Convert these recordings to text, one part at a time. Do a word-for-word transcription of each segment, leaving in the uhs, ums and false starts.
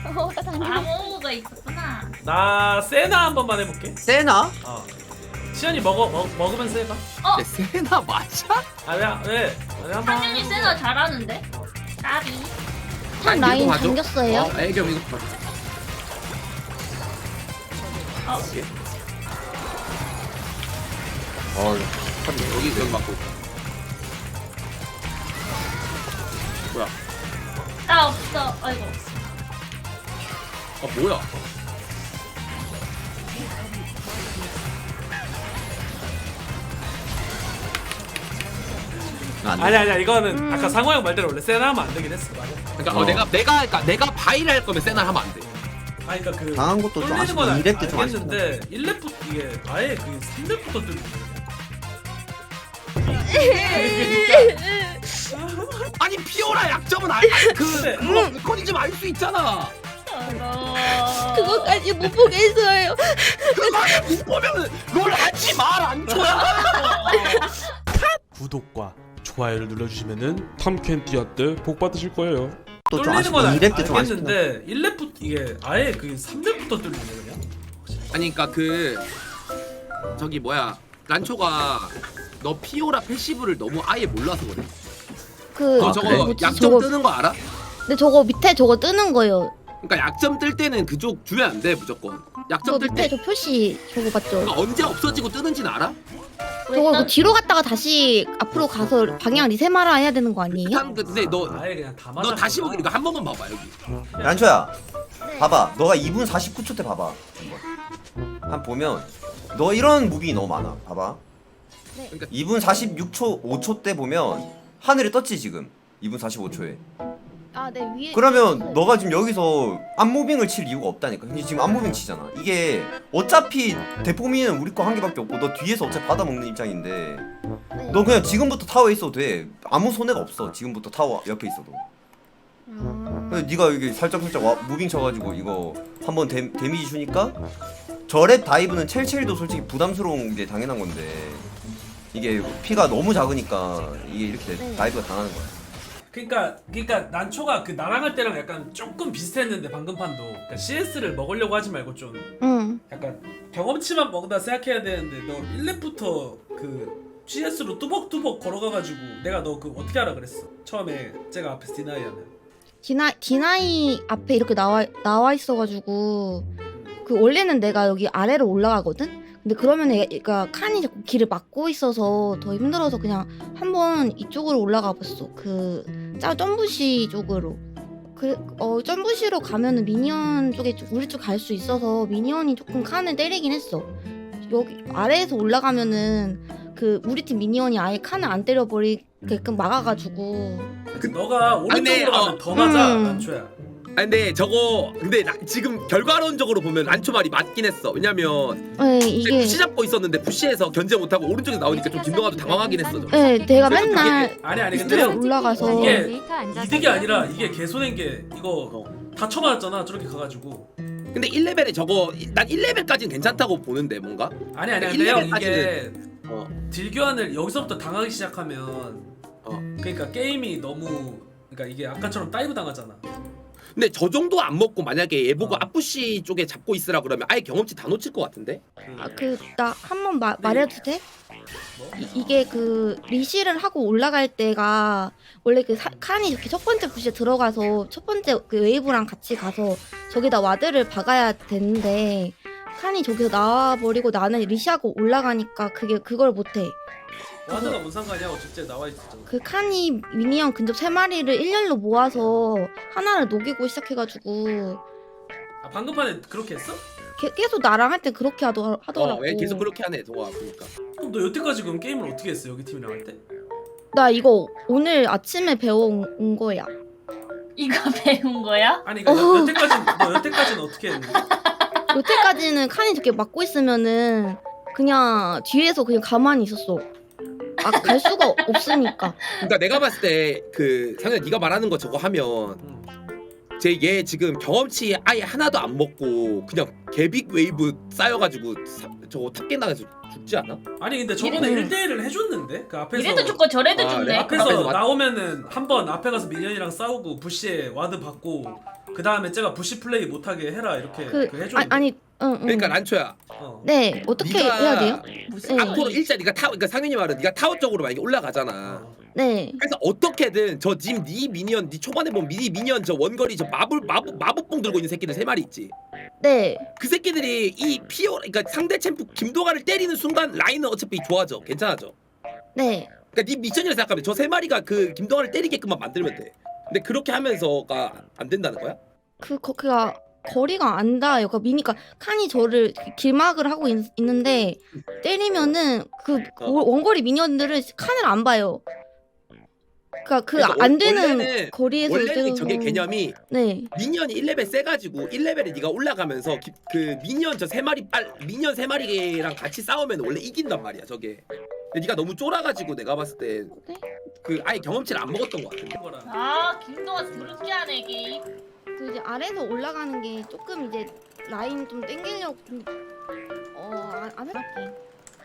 어, 나 다녀. 아무가 있었구나. 나 세나 한 번만 해볼게. 세나? 어. 시연이 먹어 먹 먹으면서 해봐. 어? 네, 세나 맞아? 아왜 왜? 왜 한번? 상윤이 세나 잘하는데? 까비. 한 이거 라인 봐줘. 당겼어요. 어, 애겸 이거 봐줘. 어. 어, 참 여기 여기 맞고. 뭐야? 나 없어. 아이고. 아 뭐야? 아니 아니야 이거는 음. 아까 상호 형 말대로 원래 세나 하면 안 되긴 했어. 맞아. 그러니까 어, 어. 내가 내가 그러니까 내가 바이를 할 거면 세나 하면 안 돼. 아니 그러니까 그 당한 것도 좀 뚫리는 아쉽고 건 이 렙 때 좀 알겠는데 일 렙부터 이게 아예 그 삼 렙부터 뚫리는 거야. 아니 피오라 약점은 알, 그 근데- 그거 메커니즘 알 수 있잖아. 더러워. 그거까지 못 보겠어요. 그거를 못 보면은 롤 하지 말안 줘야. 구독과 좋아요를 눌러주시면은 탐켄티아 때 복 받으실 거예요. 또 좀 뚫리는 아쉽고 건 이 렙 때 좀 아쉽긴 해. 알겠는데 일 렙부터 이게 아예 그 삼 렙부터 뚫리네 그냥. 아니 그러니까 그 저기 뭐야 란초가 너 피오라 패시브를 너무 아예 몰라서 그래. 그 너 저거 뭐지? 약점 저거 뜨는 거 알아? 근데 저거 밑에 저거 뜨는 거예요. 그러니까 약점 뜰 때는 그쪽 주면 안 돼 무조건. 저 약점 뜰 밑에 때 저 표시 저거 봤죠? 그러니까 언제 없어지고 뜨는지는 알아? 저거 그 뒤로 갔다가 다시 앞으로 가서 방향 리셋하라 해야 되는 거 아니에요? 일단 근데 너 너 아예 그냥 다 맞아. 다시 보기 이거 한 번만 봐봐 여기. 란초야 네. 봐봐 너가 이 분 사십구 초 때 봐봐 한번 한 보면 너 이런 무빙이 너무 많아 봐봐 네. 그러니까 이 분 사십육 초 오 초 때 보면 하늘에 떴지 지금 이 분 사십오 초에 아, 네 위에. 그러면 너가 지금 여기서 앞무빙을 칠 이유가 없다니까 근데 지금 앞무빙 치잖아 이게 어차피 대포미는 우리 거 한 개밖에 없고 너 뒤에서 어차피 받아먹는 입장인데 네. 너 그냥 지금부터 타워에 있어도 돼 아무 손해가 없어 지금부터 타워 옆에 있어도 아, 근데 네가 여기 살짝살짝 와, 무빙 쳐가지고 이거 한번 데, 데미지 주니까 저랩 다이브는 첼첼도 솔직히 부담스러운 게 당연한 건데 이게 피가 너무 작으니까 이게 이렇게 네. 다이브가 당하는 거야 그러니까 그러니까 난초가 그 나랑 할 때랑 약간 조금 비슷했는데 방금 판도 그러니까 씨에스를 먹으려고 하지 말고 좀 응. 약간 경험치만 먹다 생각해야 되는데 너 일 렙부터 그 씨에스로 뚜벅뚜벅 걸어가가지고 내가 너 그 어떻게 하라 그랬어 처음에 제가 앞에서 디나이하면 디나 디나이 앞에 이렇게 나와 나와 있어가지고 그 원래는 내가 여기 아래로 올라가거든. 근데 그러면 얘가 칸이 자꾸 길을 막고 있어서 더 힘들어서 그냥 한번 이쪽으로 올라가 봤어. 그짜 점부시 쪽으로. 그 어 점부시로 가면은 미니언 쪽에 좀- 우리 쪽 갈 수 있어서 미니언이 조금 칸을 때리긴 했어. 여기 아래에서 올라가면은 그 우리 팀 미니언이 아예 칸을 안 때려버리게끔 막아가지고. 그 너가 근데, 오른쪽으로 가면 어, 더 맞아 음. 난초야. 아니 근데 저거 근데 나, 지금 결과론적으로 보면 란초 말이 맞긴 했어. 왜냐면 네, 이게 푸시 잡고 있었는데 푸시해서 견제 못하고 오른쪽에 나오니까 좀 김동아도 당황하긴 했어. 저거. 네, 내가 그래서 맨날 아니 아니 근데 밑으로 올라가서 이게 이득이 아니라 이게 개손인 게 이거 어. 다 쳐맞았잖아 저렇게 가가지고. 근데 일 레벨에 저거 난 일 레벨까지는 괜찮다고 보는데 뭔가? 아니 아니 일 근데 형 레벨까지는- 이게 어. 딜교환을 여기서부터 당하기 시작하면 어. 그러니까 게임이 너무 그러니까 이게 아까처럼 다이브 당하잖아. 근데 저 정도 안 먹고 만약에 얘 보고 어. 앞부시 쪽에 잡고 있으라 그러면 아예 경험치 다 놓칠 것 같은데? 아 그 나 한 번 말해도 돼? 뭐? 이, 이게 그 리시를 하고 올라갈 때가 원래 그 사, 칸이 이렇게 첫 번째 부시에 들어가서 첫 번째 그 웨이브랑 같이 가서 저기다 와드를 박아야 되는데 칸이 저기서 나와버리고 나는 리시하고 올라가니까 그게 그걸 못해. 와드가 뭔 상관이야 어쨌든 나와 있었잖아. 그 칸이 미니언 근접 세 마리를 일렬로 모아서 하나를 녹이고 시작해가지고 아 방금 판에 그렇게 했어? 게, 계속 나랑 할 때 그렇게 하더, 하더라고. 어, 왜 계속 그렇게 하네 동아 보니까. 그럼 너 여태까지 그럼 게임을 어떻게 했어 여기 팀이랑 할 때? 나 이거 오늘 아침에 배워온 온 거야. 이거 배운 거야? 아니 그러니까 여, 여태까지 너 여태까지는 어떻게 했는데? 여태까지는 칸이 저렇게 막고 있으면은 그냥 뒤에서 그냥 가만히 있었어. 아, 갈 수가 없으니까. 그러니까 내가 봤을 때 그 상현 네가 말하는 거 저거 하면 응. 제 얘 지금 경험치 아예 하나도 안 먹고 그냥 개빅 웨이브 쌓여가지고 사, 저거 탑갱 당해서 죽지 않아? 아니 근데 저번에 이래도- 일 대일을 해줬는데 그 앞에서 이래도 죽고 저래도 아, 죽네. 그래? 앞에서 앞에서 맞- 나오면은 한 번 앞에 가서 미니언이랑 싸우고 부시에 와드 받고 그 다음에 쟤가 부시 플레이 못하게 해라 이렇게 그 그 해줘. 아, 아니 응, 응. 그러니까 란초야. 어. 네 어떻게 네가 해야 돼요? 무슨 네. 앞으로 일자 네가 타워 그러니까 상윤이 말은 네가 타워 쪽으로 만약에 올라가잖아. 어. 네. 그래서 어떻게든 저님네 미니언 네 초반에 보면 미니 미니언 저 원거리 저 마블 마법 마법봉 들고 있는 새끼들 세 마리 있지. 네. 그 새끼들이 이 피오 그러니까 상대 챔프 김도가를 때리는 순간 라인은 어차피 좋아져. 괜찮아져. 네. 그러니까 네 미션이라 생각하면 저 세 마리가 그 김도가를 때리게끔만 만들면 돼. 근데 그렇게 하면서가 안 된다는 거야? 그 거, 그가 거리가 안 닿아요. 그 미니까 칸이 저를 길막을 하고 있, 있는데 때리면은 그 어. 원- 원거리 미니언들은 칸을 안 봐요. 그러니까 그 그러니까 안 원- 되는 원래는- 거리에서 원래는 저게 때려서- 개념이 네. 미니언이 일 레벨 세가지고 일 레벨에 네가 올라가면서 기, 그 미니언 저 세 마리 빨 미니언 세 마리랑 같이 싸우면 원래 이긴단 말이야 저게. 근데 네가 너무 쫄아가지고 내가 봤을 때 그 아예 경험치를 안 먹었던 것 같은데. 거라. 아 김동아 그렇게 하네 게임. 그 이제 아래에서 올라가는 게 조금 이제 라인 좀 땡기려고 어안 해볼게.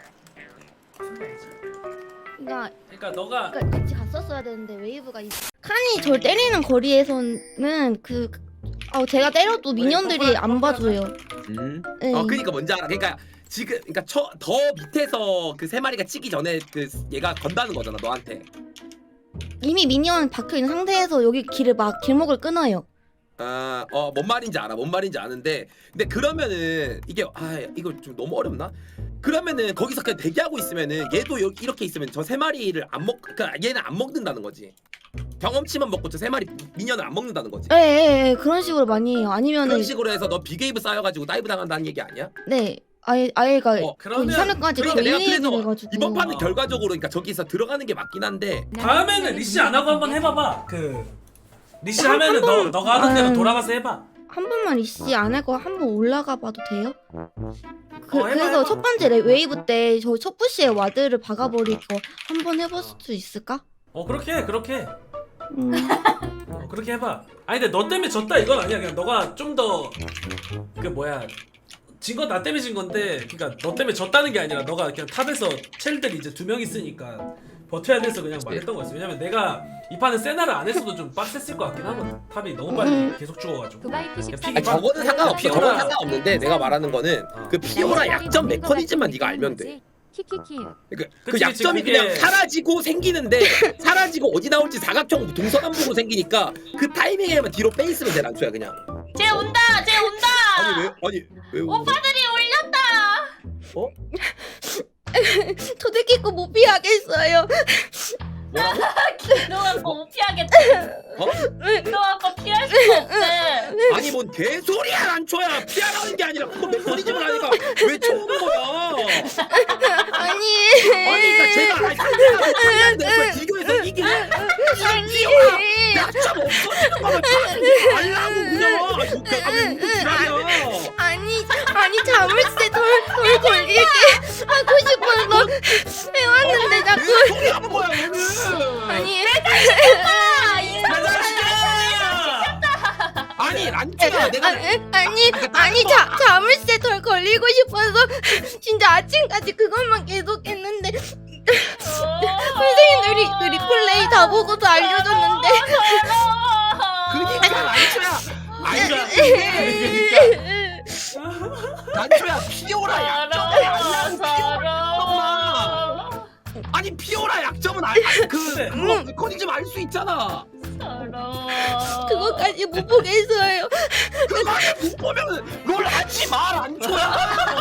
그러니까 그러니까 너가 그러니까 같이 갔었어야 되는데 웨이브가 이 칸이 절 때리는 거리에서는 그 어, 제가 때려도 미니언들이 안 봐줘요. 음. 네. 어 그러니까 뭔지 알아. 그러니까 지금 그러니까 처, 더 밑에서 그 세 마리가 치기 전에 그 얘가 건다는 거잖아 너한테. 이미 미니언 박혀 있는 상태에서 여기 길을 막 길목을 끊어요. 아, 어, 뭔 말인지 알아, 뭔 말인지 아는데, 근데 그러면은 이게 아, 이거 좀 너무 어렵나? 그러면은 거기서 그냥 대기하고 있으면은 얘도 여, 이렇게 있으면 저 세 마리를 안 먹, 그러니까 얘는 안 먹는다는 거지. 경험치만 먹고 저 세 마리 미니언을 안 먹는다는 거지. 예, 예, 예, 그런 식으로 많이 해요. 아니면은 그런 식으로 해서 너 비게이브 쌓여가지고 다이브 당한다는 얘기 아니야? 네, 아예 아예가 어, 그러면- 이 사람까지 그러니까 내가 걸리게 그래서 돼가지고 이번 판은 어. 결과적으로 그러니까 저기서 들어가는 게 맞긴 한데 다음에는 리시 안 하고 한번 해봐봐. 그 리시 하면은 너 너가 하던 대로 음. 돌아가서 해봐. 한 번만 이씨 안 하고 한 번 올라가 봐도 돼요? 그, 어, 해봐, 그래서 해봐. 첫 번째 레- 웨이브 때 저 첫 부시에 와드를 박아버리고 한 번 해볼 수 있을까? 어 그렇게 해, 그렇게 해. 음, 어, 그렇게 해봐. 아니 근데 너 때문에 졌다 이건 아니야. 그냥 너가 좀 더 그 뭐야 진 건 나 때문에 진 건데, 그러니까 너 때문에 졌다는 게 아니라 너가 그냥 탑에서 첼들이 이제 두 명 있으니까 버텨야 돼서 그냥 말했던 거였어. 왜냐면 내가 이 판은 세나를 안 했어도 좀 빡셌을 것 같긴 하거든. 탑이 너무 빨리 음. 계속 죽어가지고. 두바이 픽이 아니, 저거는 상관없어. 피오라. 저거는 상관없는데 내가 말하는 거는 어. 그 피오라 약점 메커니즘만 네가 알면 돼. 키키키. 그, 그 그치, 약점이 그치, 그냥 그게- 사라지고 생기는데 사라지고 어디 나올지 사각형 동서남북으로 생기니까 그 타이밍에만 뒤로 빼 있으면 돼 란초야 그냥. 쟤 온다 쟤 온다. 아니 왜 아니 왜 우- 오빠들이 올렸다. 어? 저 새끼 거 못 피하겠어요. 뭐라고? 김동아 못 피하겠다. 어? 김동아 거 피할 수가 없대. 아니 뭔 개소리야 란초야 피하라는 게 아니라 그거 메커니즘을 하니까 왜 쳐오는 거야? 아니, 아니 그러니까 제가 아니 상대가 상대한테 그걸 비교해서 이기는 아니, 약점 없어지는 거면 타지 말라고 그냥. 아니 뭐, 아왜 웃고 지랄이야? 아니, 아니 자물쇠 돌, 돌 걸리게 하고 싶어서 해왔는데 자꾸 소리 하는 거야 얘는. 아니. 아니 란초야 내가 아니, 아니, 아니 자, 자물쇠 돌 걸리고 싶어서 진짜 아침까지 그것만 계속했는데 선생님들이 그 리플레이 다 보고도 알려줬는데 그니까 란초야. 아니 그러니까 란초야 피오라 약점을 알라고 피오라. 아니 피오라 약점은 알그 네. 그거 메커니즘 알 수 있잖아. 그거까지 못 보겠어요. 그거를 못 보면 롤 하지 마 란초야.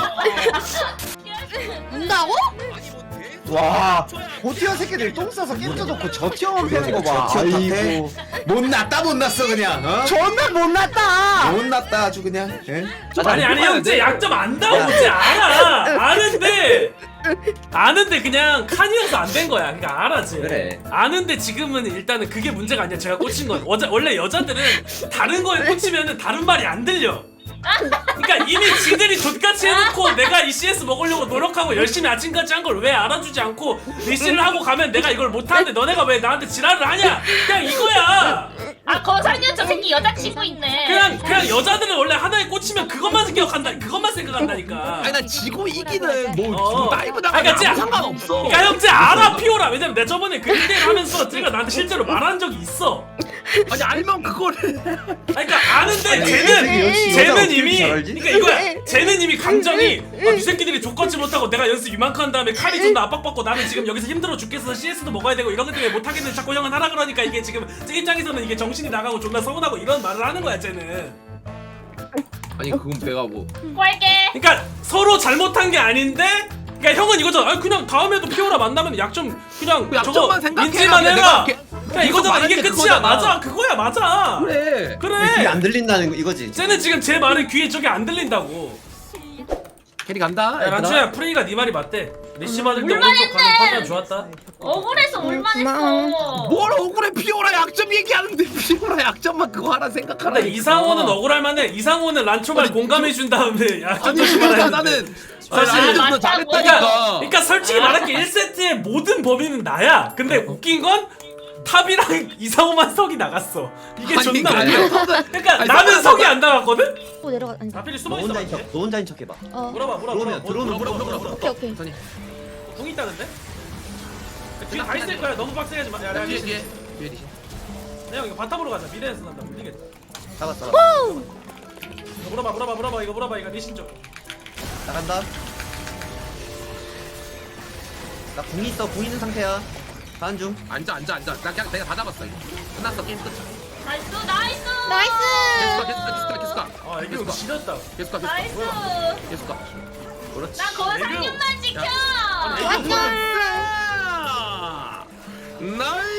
온다고? 아니 뭐 대소리야, 와, 란초야. 고티어 새끼들 똥 싸서 깨져놓고 저티어만 펴는 거 봐. 저티어 탓해? 아이고, 못났다 못났어 그냥. 어? 존나 못났다. 못났다 아주 그냥. 예? 아니 아니 형 쟤 약점 안다고 쟤 알아. 아는데 아는데 그냥 칸이어서 안 된 거야. 그러니까 알아 쟤. 그래. 아는데 지금은 일단은 그게 문제가 아니야. 제가 꽂힌 건 어자, 원래 여자들은 다른 거에 꽂히면은 다른 말이 안 들려. 그러니까 이미 지들이 족같이 해놓고 내가 이 씨에스 먹으려고 노력하고 열심히 아침까지 한 걸 왜 알아주지 않고 리시를 하고 가면 내가 이걸 못하는데 너네가 왜 나한테 지랄을 하냐. 그냥 이거야. 아 거상년 저 새끼 여자친구 있네. 그냥 그냥 여자들은 원래 하나에 꽂히면 그것만 생각한다. 그것만 생각한다니까. 아니 난 지고 이기는 뭐 어. 다이브 아, 당하면 그러니까 쟤- 아무 상관없어. 그러니까 형 쟤 알아 피오라. 왜냐면 내가 저번에 그 일 대 일 하면서 쟤가 나한테 실제로 말한 적이 있어. 아니 알면 그거를 아니 그러니까 아는데 아니, 쟤는 역시 여자 쟤는 어떻게 이미 잘 알지? 그러니까 이거야. 쟤는 이미 감정이 아, 이 새끼들이 족같지 못하고 내가 연습 이만큼 한 다음에 칼이 좀 더 압박받고 나는 지금 여기서 힘들어 죽겠어서 씨에스도 먹어야 되고 이런 것 때문에 못하겠는데 자꾸 형은 하라 그러니까 이게 지금 제 입장에서는 이게 정신이 나가고 존나 서운하고 이런 말을 하는 거야 쟤는. 아니 그건 내가 뭐 꼴게. 그러니까 서로 잘못한 게 아닌데 그러니까 형은 이거잖아. 아니 그냥 다음에도 피오라 만나면 약점 그냥 그 약점만 저거 생각해. 인지만 그냥 해라. 내가 이렇게 그냥 계속 이거잖아. 말하는 이게 게 끝이야. 그거잖아. 맞아. 그거야. 맞아. 그래. 그래. 귀에 안 들린다는 거 이거지. 쟤는 지금 제 말을 귀에 저게 안 들린다고. 캐리 간다. 야 얘들아. 란초야 프레이가 네 말이 맞대. 리시 받을 때 물만 오른쪽 가는 판단 좋았다. 억울해서 올만했어. 뭘 억울해 피오라 약점 얘기하는데 피오라 약점만 그거 하나 생각하라. 근데 이상호는 억울할 만해. 이상호는 란초 말 아니, 공감해 준 다음에 야 아니 좀 진짜 말했는데. 나는 사실 사실 맞다고. 잘했다니까. 그러니까 솔직히 말할게 일 세트의 모든 범인은 나야. 근데 웃긴 건 탑이랑 이상호만 석이 나갔어. 이게 아니, 존나 아니, 웃겨. 아니, 그러니까 아니, 나는 석은 석이 안 나갔거든? 또 내려가. 아니. 나필이 너 숨어 있어. 혼자인 척, 너 혼자인 척 해봐. 어. 물어봐 물어봐 들어오면, 물어봐 들어오면 물어봐 물어봐 물어봐. 오케이 오케이. 선이. 궁 있다는데? 뒤에 다 있을 거야. 너무 빡세게 하지 마. 야, 야, 뒤에 리시. 뒤에 뒤에 리시. 형 이거 바텀으로 가자. 미래에서 난다. 물리겠다. 잡았어. 잡았어. 이거 물어봐 물어봐 물어봐 이거 물어봐 이거 리신 쪽. 나간다. 나 궁 있어. 궁 있는 상태야. 가는 중. 앉아 앉아 앉아. 나 그냥 내가 다 잡았어 이거. 끝났어 게임 끝. 나이스 나이스. 계속 가 나이스. 계속 가 계속 가 계속 가. 아 이거 계속 가 지렸다. 계속 가 계속 나이스. 가. 계속 가. 그렇지. 나 거상님만 지켜. 애교. 맞아. 나이스.